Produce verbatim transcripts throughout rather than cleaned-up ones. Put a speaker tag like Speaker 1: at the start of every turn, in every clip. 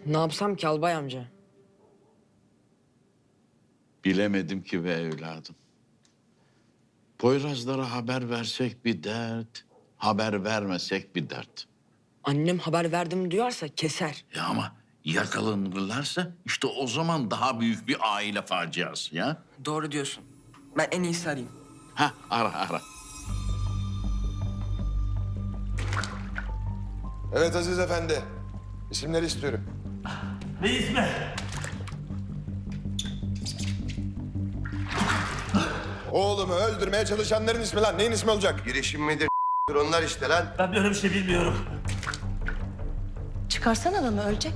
Speaker 1: Ne yapsam ki albay amca?
Speaker 2: Bilemedim ki be evladım. Poyrazlara haber versek bir dert, haber vermesek bir dert.
Speaker 1: Annem haber verdim duyarsa keser.
Speaker 2: Ya ama yakalanırlarsa işte o zaman daha büyük bir aile faciası ya.
Speaker 1: Doğru diyorsun. Ben en iyisi arayayım.
Speaker 2: Ha ara ara.
Speaker 3: Evet Aziz Efendi. İsimleri istiyorum.
Speaker 4: Ne ismi?
Speaker 3: Oğlumu öldürmeye çalışanların ismi lan. Neyin ismi olacak?
Speaker 5: Girişim midir onlar işte lan.
Speaker 4: Ben böyle bir şey bilmiyorum.
Speaker 6: Çıkarsan adamı ölecek.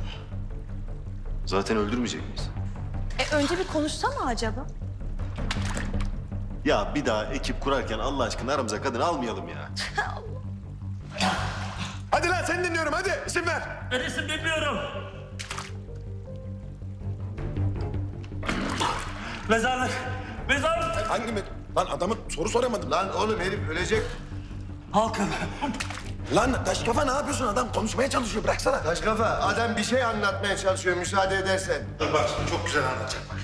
Speaker 7: Zaten öldürmeyecek miyiz?
Speaker 6: E önce bir konuşsa mı acaba?
Speaker 7: Ya bir daha ekip kurarken Allah aşkına aramıza kadın almayalım ya.
Speaker 3: Hadi lan seni dinliyorum hadi. İsim ver.
Speaker 4: Ben isim bilmiyorum. Mezarlık. Mezarlık.
Speaker 3: Hangi mi? Lan adamı soru soramadım. Lan,
Speaker 5: Lan oğlum herif ölecek.
Speaker 4: Halkım.
Speaker 3: lan taş kafa ne yapıyorsun? Adam konuşmaya çalışıyor. Bıraksana.
Speaker 5: Taş kafa adam bir şey anlatmaya çalışıyor müsaade edersen.
Speaker 7: Dur bak şimdi çok güzel anlatacak bak.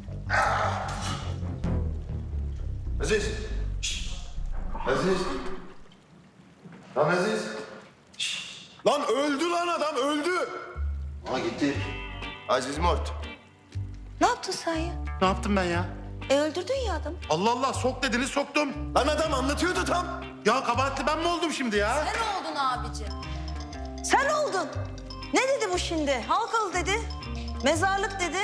Speaker 5: Aziz. Şşş. Aziz. Lan Aziz.
Speaker 3: Lan öldü lan adam öldü.
Speaker 7: Aa gitti.
Speaker 5: Aziz Mort.
Speaker 6: Ne yaptın sen ya?
Speaker 7: Ne yaptım ben ya?
Speaker 6: E öldürdün ya adamı.
Speaker 7: Allah Allah sok dediniz soktum.
Speaker 3: Lan adam anlatıyordu tam.
Speaker 7: Ya kabahatli ben mi oldum şimdi ya?
Speaker 6: Sen oldun abicim. Sen oldun. Ne dedi bu şimdi? Halkalı dedi. Mezarlık dedi.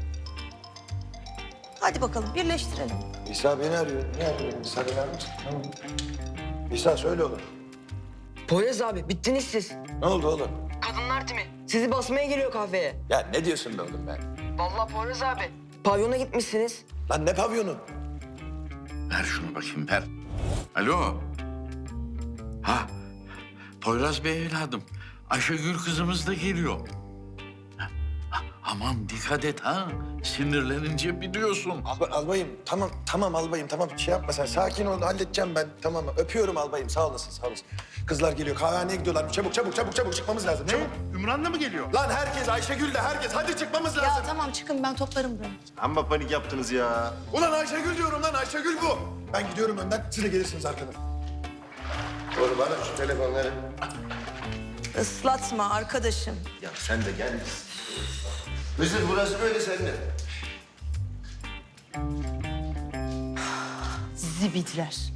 Speaker 6: Hadi bakalım birleştirelim.
Speaker 3: İsa beni arıyor. Ne arıyor? İsa beni arar mısın? Tamam. İsa söyle oğlum.
Speaker 1: Poyraz abi bittiniz siz.
Speaker 3: Ne oldu oğlum?
Speaker 1: Kadınlar timi. Sizi basmaya geliyor kahveye.
Speaker 3: Ya ne diyorsun be oğlum ben?
Speaker 1: Vallahi Poyraz abi. Pavyona gitmişsiniz.
Speaker 3: Lan ne pavyonu?
Speaker 2: Ver şunu bakayım ver. Alo. Ha Poyraz Bey evladım. Ayşegül kızımız da geliyor. Ha, ha, aman dikkat et ha. Sinirlenince biliyorsun.
Speaker 3: Alba, albayım tamam tamam albayım tamam şey yapma sen sakin ol halledeceğim ben tamam öpüyorum albayım sağ olasın sağ olasın. Kızlar geliyor kahvehaneye gidiyorlar çabuk çabuk çabuk çabuk çıkmamız lazım çabuk.
Speaker 7: Ümran da mı geliyor?
Speaker 3: Lan herkes Ayşegül de herkes hadi çıkmamız lazım.
Speaker 6: Ya tamam çıkın ben toplarım burayı.
Speaker 7: Amma panik yaptınız ya.
Speaker 3: Ulan Ayşegül diyorum lan Ayşegül bu. Ben gidiyorum önden siz de gelirsiniz arkadan.
Speaker 5: Oğlum bana şu telefonları.
Speaker 6: Islatma arkadaşım.
Speaker 7: Ya sen de gel.
Speaker 5: Hızır burası böyle sende.
Speaker 6: Zibidiler.